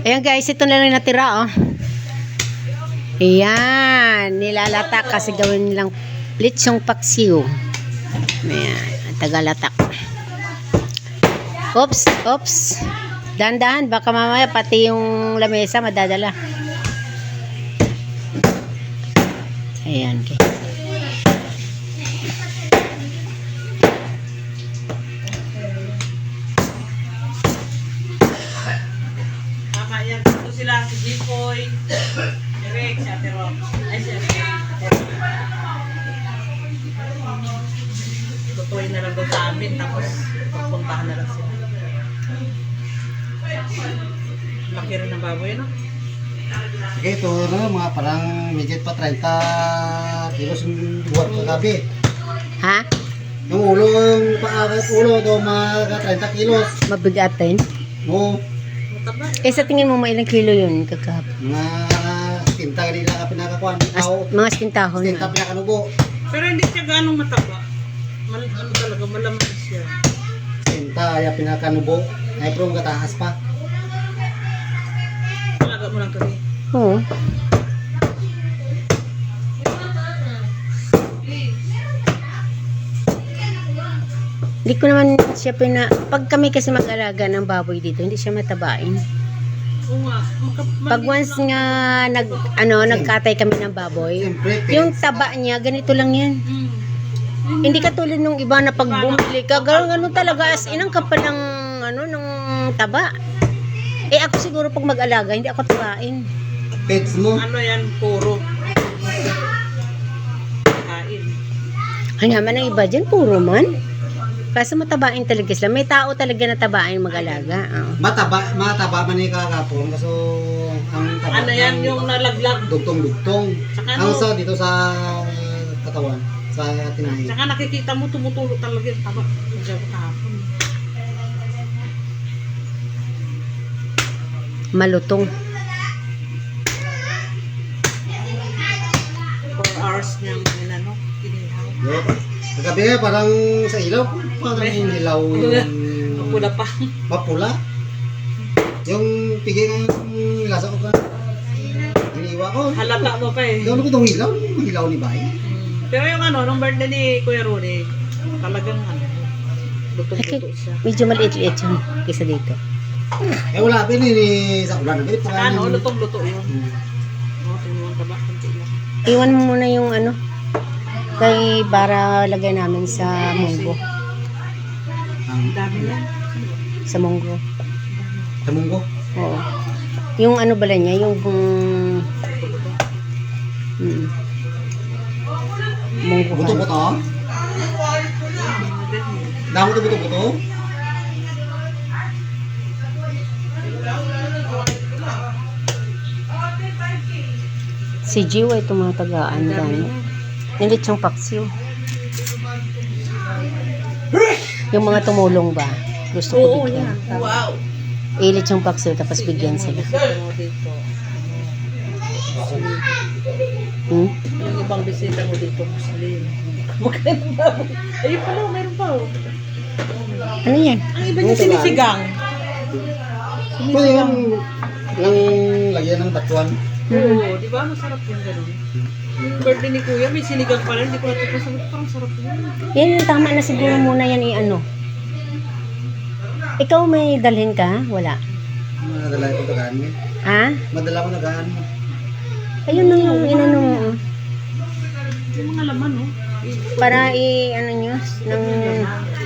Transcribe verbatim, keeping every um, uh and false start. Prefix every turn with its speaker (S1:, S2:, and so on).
S1: Ayan guys, ito na lang natira oh. Ayan, nilalatak kasi gawin nilang lechong paksiw. Ayan, tagalatak. Oops, oops. Dahan-dahan, baka mamaya pati yung lamesa madadala. Ayan. Okay.
S2: Tama yan. Ito sila, si Jipoy, Eric, si Ate Rock. Ay, si Ate Rock. Tutuloy na lang doon sa amin, tapos pagpuntahan na lang sila. Laki rin ng baboy, no?
S3: Okay, ito na mga parang midget pa thirty kilos yung buwan kagabi.
S1: Ha?
S3: Yung ulo, yung paakat ulo do mga thirty kilos.
S1: Mabigatin?
S3: Oo,
S2: Mataba.
S1: Eh sa tingin mo, ilang kilo yun kakahapon?
S3: mga tinta nila ka pinakakuan.
S1: As,
S3: Tao,
S1: mga stintahon
S3: tinta
S1: na.
S3: pinakanubo.
S2: Pero hindi siya ganong mataba. Mal ano talaga, malaman siya.
S3: Tinta ya pinakanubo. Ay pro kataas pa.
S2: Talaga mo lang ito eh.
S1: Oo. Hindi ko naman siya pina... Pag kami kasi mag-alaga ng baboy dito, hindi siya matabain.
S2: Oo nga. Maka-
S1: Pag once nga nag, ano, nagkatay kami ng baboy,
S3: Siyempre,
S1: yung taba niya, ganito lang yan.
S2: Mm.
S1: Hindi katulad nung iba na pag bumili ka, gano'n gano'n talaga as inang kapal ng, ano, ng taba. Eh ako siguro pag mag-alaga, hindi ako tabain.
S3: pets mo.
S2: Ano yan, puro. Kain.
S1: Ay naman ang iba dyan, puro man. Kaso matabain talaga sila. May tao talaga na tabain mag-alaga. Oo.
S3: Mataba, mataba man ni kakapon kaso ang taba.
S2: Ano yan, yung nalaglag.
S3: dugtong-dugtong.
S2: Saka
S3: Ang
S2: ano-
S3: sa dito sa katawan, sa tinahin.
S2: Saka nakikita mo tumutulo talaga yung taba. Diyan kahapon.
S1: Malutong.
S2: four hours niyang inano, inihaw.
S3: Yo. Kagabi nga parang sa ilaw, parang yung ilaw yung
S2: Mapula pa.
S3: mapula. Yung pigay ng lasa ko ka. Iniwa ko.
S2: Halata mo pa eh.
S3: Doon ko itong ilaw, yung ilaw ni Bay.
S2: Pero yung ano, nung birthday ni Kuya Rune, talagang ano,
S1: Okay.
S2: lutong-luto siya.
S1: Medyo maliit-liit yun kaysa dito.
S3: Eh wala pa ni sa ulan. Ganit pa
S2: Saka ano,
S3: yung-
S2: lutong-luto yun.
S3: Hmm.
S2: Oo, tingnan taba, konti lang.
S1: Iwan mo muna yung ano, kay para lagay namin sa munggo.
S3: Ang
S2: Ang dami yan.
S1: Sa munggo.
S3: tamunggo.
S1: Oo. Yung ano bala niya, yung um, mm, munggo.
S3: Buto-buto. Damo to buto-buto.
S1: Si Jiwa ay tumatagaan gano'n. Nilit yung paksiw. Yung mga tumulong ba? Gusto ko
S2: Oo,
S1: bigyan.
S2: yan. Wow.
S1: Ilit yung paksiw tapos bigyan sila.
S2: Ano dito?
S1: Hmm?
S2: Yung ibang bisita mo dito, Muslim. Magkano ng baboy? Ayun pala, meron pa oh.
S1: Ano yan?
S2: Ang iba niya sinisigang.
S3: Pwede yung lang lagyan ng batuan.
S2: Oo, di ba? Masarap yung gano'n. Yung birthday ni Kuya, may sinigang pa rin. Hindi ko natin pasagot. Parang sarap yun.
S1: Yan yung tama na siguro muna yan i-ano. Ikaw may dalhin ka? Wala.
S3: Madala ko tagaan mo.
S1: Ha?
S3: Madala ko nagaan mo.
S1: Ayun na yung inano mo. oh.
S2: Yung mga laman, no?
S1: Para i-ano nyo, ng